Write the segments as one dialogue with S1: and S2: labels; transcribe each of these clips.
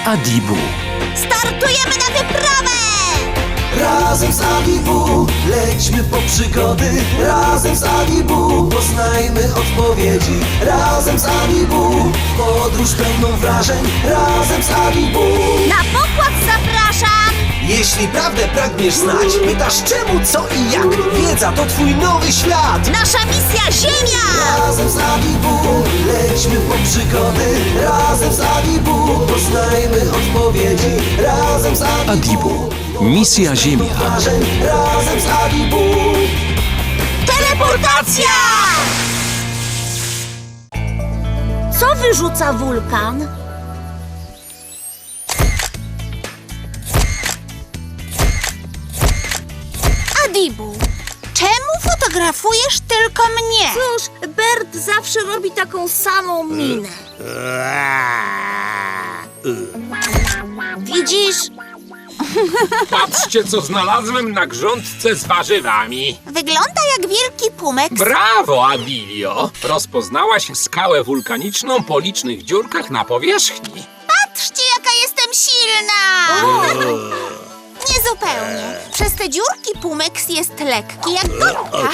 S1: Adibu.
S2: Startujemy na wyprawę!
S3: Razem z Adibu lećmy po przygody. Razem z Adibu poznajmy odpowiedzi. Razem z Adibu podróż pełną wrażeń. Razem z Adibu.
S2: Na pokład zapraszam!
S3: Jeśli prawdę pragniesz znać, pytasz czemu, co i jak. Wiedza to twój nowy świat.
S2: Nasza misja Ziemia!
S3: Razem z Adibu lećmy po przygody. Razem z Adibu poznajmy odpowiedzi. Razem z
S1: Adibu. Misja Ziemia.
S3: wrażeń. Razem z Adibu.
S2: Teleportacja! Co wyrzuca wulkan? Adibu, czemu fotografujesz tylko mnie? Cóż, Bert zawsze robi taką samą minę. Widzisz?
S4: Patrzcie, co znalazłem na grządce z warzywami.
S2: Wygląda jak wielki pumek.
S4: Brawo, Adilio! Rozpoznałaś skałę wulkaniczną po licznych dziurkach na powierzchni.
S2: Patrzcie, jaka jestem silna! Niezupełnie. Przez te dziurki Pumex jest lekki jak gąbka.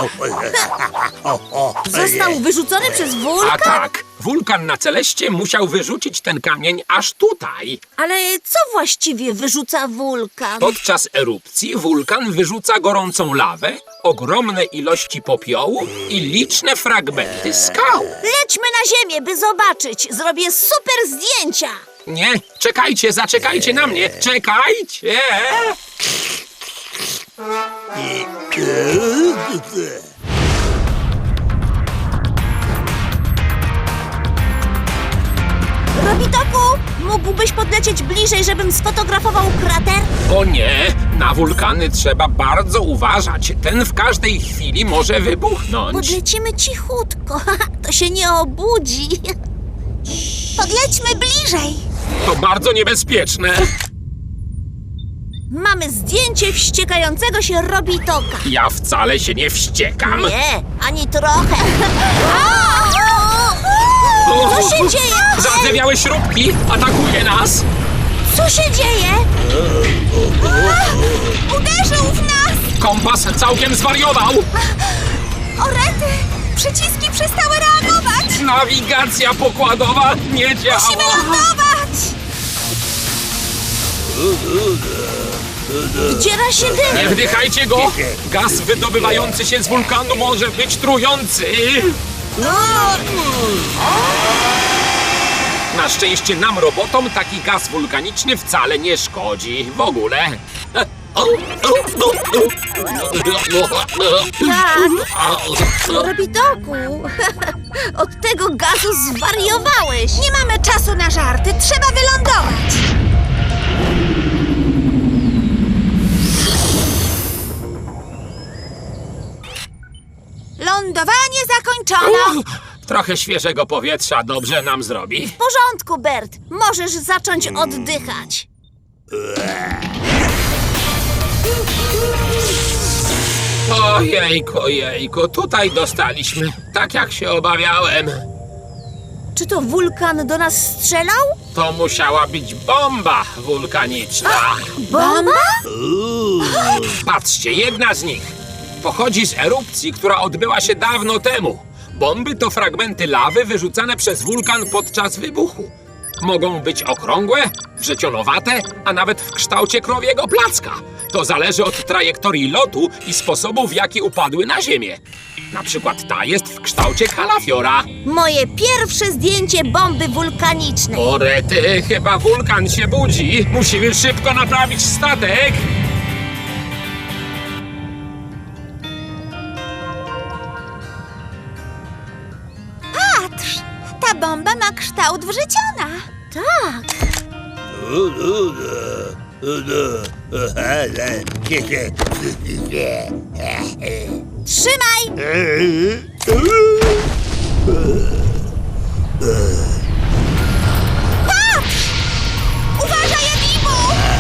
S2: Został wyrzucony przez
S4: A
S2: wulkan?
S4: tak, wulkan na Celeście musiał wyrzucić ten kamień aż tutaj.
S2: Ale co właściwie wyrzuca wulkan?
S4: Podczas erupcji wulkan wyrzuca gorącą lawę, ogromne ilości popiołu i liczne fragmenty skał.
S2: Lećmy na ziemię, by zobaczyć. Zrobię super zdjęcia.
S4: Nie, czekajcie, zaczekajcie na mnie, czekajcie!
S2: Robitoku, mógłbyś podlecieć bliżej, żebym sfotografował krater?
S4: O nie, na wulkany trzeba bardzo uważać. Ten w każdej chwili może wybuchnąć.
S2: Podlecimy cichutko, to się nie obudzi. Podlećmy bliżej.
S4: To bardzo niebezpieczne.
S2: Mamy zdjęcie wściekającego się Robitoka.
S4: Ja wcale się nie wściekam.
S2: Nie, ani trochę. Co się dzieje?
S4: Zardzewiałe śrubki atakuje nas.
S2: Co się dzieje? Uderzył w nas!
S4: Kompas całkiem zwariował.
S2: O rety! Przyciski przestały reagować!
S4: Nawigacja pokładowa nie działa.
S2: Musimy lądować! Wdziera się
S4: Nie
S2: dym!
S4: wdychajcie go. Gaz wydobywający się z wulkanu może być trujący. Na szczęście nam, robotom, taki gaz wulkaniczny wcale nie szkodzi. W ogóle.
S2: Robitoku! Od tego gazu zwariowałeś! Nie mamy czasu na żarty, trzeba wylądować! Lądowanie zakończone!
S4: Trochę świeżego powietrza dobrze nam zrobi.
S2: W porządku, Bert. Możesz zacząć oddychać.
S4: Ojejku, ojejku, tutaj dostaliśmy. Tak jak się obawiałem.
S2: Czy to wulkan do nas strzelał?
S4: To musiała być bomba wulkaniczna.
S2: Bomba?
S4: Patrzcie, jedna z nich pochodzi z erupcji, która odbyła się dawno temu. Bomby to fragmenty lawy wyrzucane przez wulkan podczas wybuchu. Mogą być okrągłe, wrzecionowate, a nawet w kształcie krowiego placka. To zależy od trajektorii lotu i sposobu, w jaki upadły na ziemię. Na przykład ta jest w kształcie kalafiora.
S2: Moje pierwsze zdjęcie bomby wulkanicznej.
S4: O rety, chyba wulkan się budzi. Musimy szybko naprawić statek.
S2: Patrz, ta bomba ma kształt wrzeciona. Tak. Trzymaj! Patrz! Uważaj, Adibu!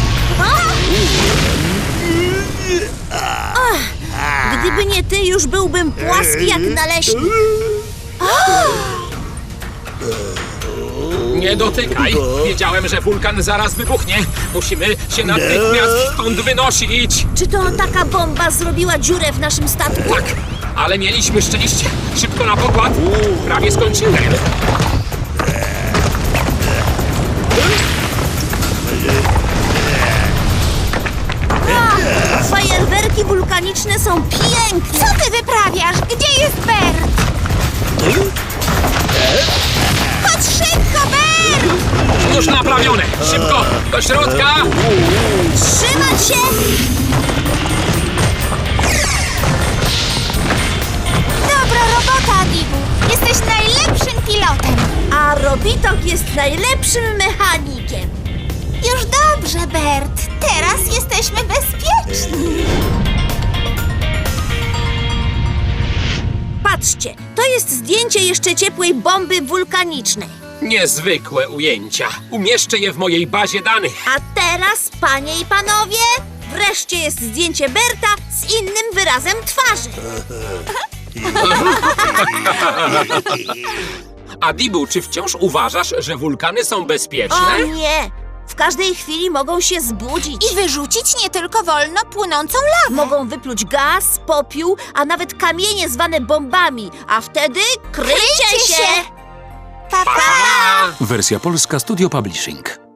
S2: Gdyby nie ty, już byłbym płaski jak naleśnik.
S4: Nie dotykaj! Wiedziałem, że wulkan zaraz wybuchnie. Musimy się natychmiast stąd wynosić.
S5: Czy to taka bomba zrobiła dziurę w naszym statku?
S4: Tak, ale mieliśmy szczęście. Szybko na pokład. Prawie skończyłem.
S5: Fajerwerki wulkaniczne są piękne!
S2: Co ty wyprawiasz? Gdzie jest Bert? Chodź szybko, Bert!
S4: Już naprawione. Szybko, do środka.
S5: Trzymać się!
S2: Dobra robota, Adibu. Jesteś najlepszym pilotem.
S5: A Robitok jest najlepszym mechanikiem.
S2: Już dobrze, Bert. Teraz jesteśmy bezpieczni.
S5: Patrzcie, to jest zdjęcie jeszcze ciepłej bomby wulkanicznej.
S4: Niezwykłe ujęcia. Umieszczę je w mojej bazie danych.
S5: A teraz, panie i panowie, wreszcie jest zdjęcie Berta z innym wyrazem twarzy.
S4: Adibu, czy wciąż uważasz, że wulkany są bezpieczne?
S5: O nie! W każdej chwili mogą się zbudzić.
S2: I wyrzucić nie tylko wolno płynącą lawę.
S5: Mogą wypluć gaz, popiół, a nawet kamienie zwane bombami. A wtedy kryjcie się!
S2: Pa, pa!
S4: Pa!
S1: Wersja polska Studio Publishing.